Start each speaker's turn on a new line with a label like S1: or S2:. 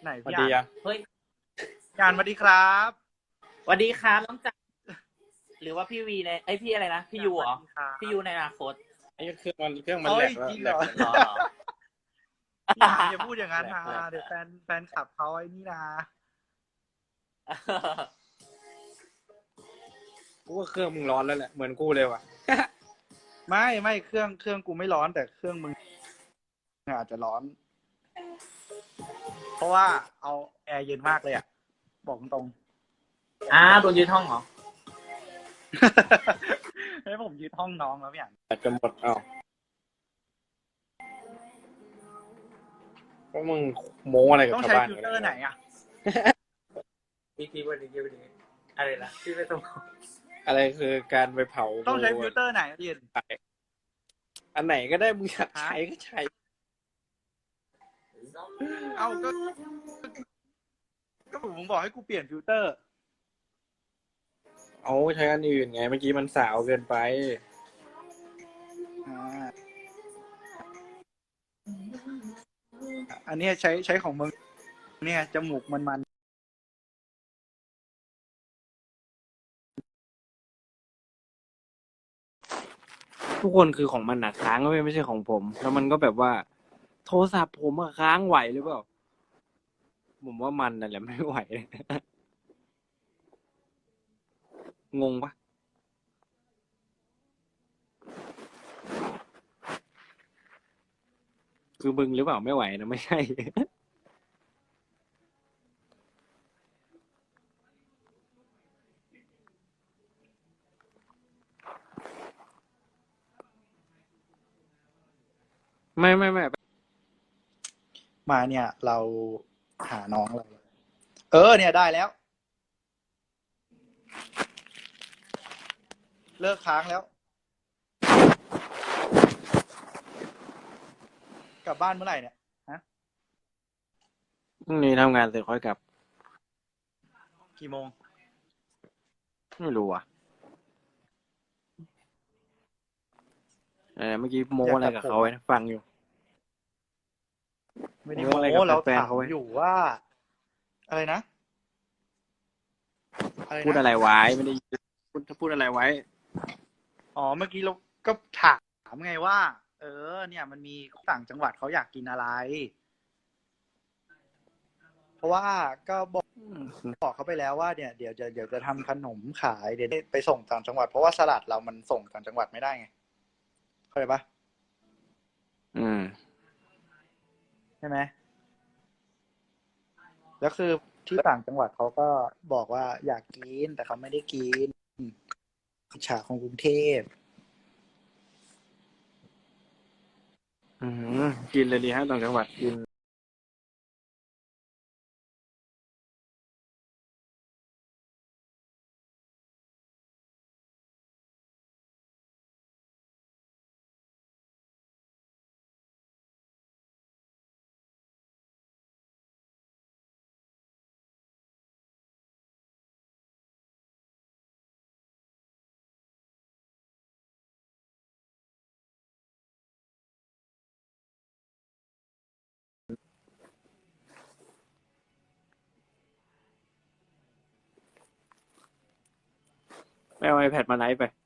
S1: ไหน
S2: สวัส
S1: พี่อ่าน
S2: ดีอ่ะ
S3: เฮ้ย
S1: พี่อ่านสวัสดีครับ
S3: สวัสดีครับน้องจักรหรือว่าพี่วีในพี่อะไรนะพี่ยูเหรอ
S1: สวัสดีครับ
S3: พี่ยูในอนาคต
S2: ไอ้เครื่องมันแหล
S1: เอ้ย
S2: กแล้ว
S1: จริงเหรอ
S2: แหลก
S3: หรอ
S1: พี่อ่านอย่าพูดอย่างนั้นนะ
S2: แหลก
S1: เดี๋ยวแฟนขับเขาไอ้นี่นะ
S2: กูว่าเครื่องมึงร้อนแล้วแหละเหมือนกูเลยว่ะ
S1: ไม่เครื่องกูไม่ร้อนแต่เครื่องมึงอาจจะร้อน เพราะว่าเอาแอร์เย็นมากเลยอ่ะบอกตรง
S3: โดนยึดห้องเหรอ
S1: ๆให้ผมยึดห้องน้องแล้วพี่อ่าน
S2: แบตจะหมดอ้าวก็มึงโม้อะไรกับ
S1: ต้อง
S2: ชาว
S1: ใช้
S2: บ้าน
S1: ฟิลเตอร์ไหนอ่ะ
S3: พี่วันนี้อะไรนะพี่ไปตรง
S2: อะไรคือการไปเผา
S1: ต้องใช้ฟิลเตอร์ไหนเย็น
S2: อันไหนก็ได้มึงอยากใช้ก็ใช้
S1: เอาก็ผมบอกให้กูเปลี่ยนฟิลเตอร์
S2: เอาใช้อันอื่นไงเมื่อกี้มันสาวเกินไป
S1: อ่าอันนี้ใช้ของมึงเนี่ยจมูกมัน
S2: ทุกคนคือของมันหนักค้างก็ไม่ใช่ของผม แล้วมันก็แบบว่า โทรศัพท์ผมอะค้างไหวหรือเปล่าผมว่ามันนั่นแหละไม่ไหว งงปะคือมึงหรือเปล่าไม่ไหวนะไม่ใช่ ไม่
S1: มาเนี่ย เราหาน้องเราเนี่ยได้แล้ว เลิกค้างแล้ว กลับบ้านเมื่อไหร่เนี่ยฮะ
S2: พรุ่งนี้ทำงานเสร็จค่อยกลับ
S1: กี่โมง
S2: ไม่รู้อ่ะเมื่อกี้โม้อะไรกับเขาไว้นะฟังอยู่
S1: ไม่ได้
S2: โม้
S1: โม้
S2: อะไรกับ
S1: เรา
S2: แฟน
S1: ถาม
S2: เขาไว้
S1: อยู่ว่า อะไรนะอะไร
S2: พูด
S1: นะ
S2: อะไรไว้ไม่ได้ยินพูดอะไรไว้
S1: อ๋อเมื่อกี้เราก็ถามไงว่า เนี่ยมันมีต่างจังหวัดเขาอยากกินอะไร เพราะว่าก็บอกเขาไปแล้วว่าเนี่ยเดี๋ยวจะทำขนมขายเดี๋ยวไปส่งต่างจังหวัดเพราะว่าสลัดเรามันส่งต่างจังหวัดไม่ได้ไงเข้าใจปะ
S2: อืม
S1: ใช่ไหมแล้วคือที่ต่างจังหวัดเขาก็บอกว่าอยากกินแต่เขาไม่ได้กินอิจฉาของกรุงเทพ
S2: กินเลยดีฮะต่างจังหวัดกินไม่เอา iPad มาไลฟ์ไป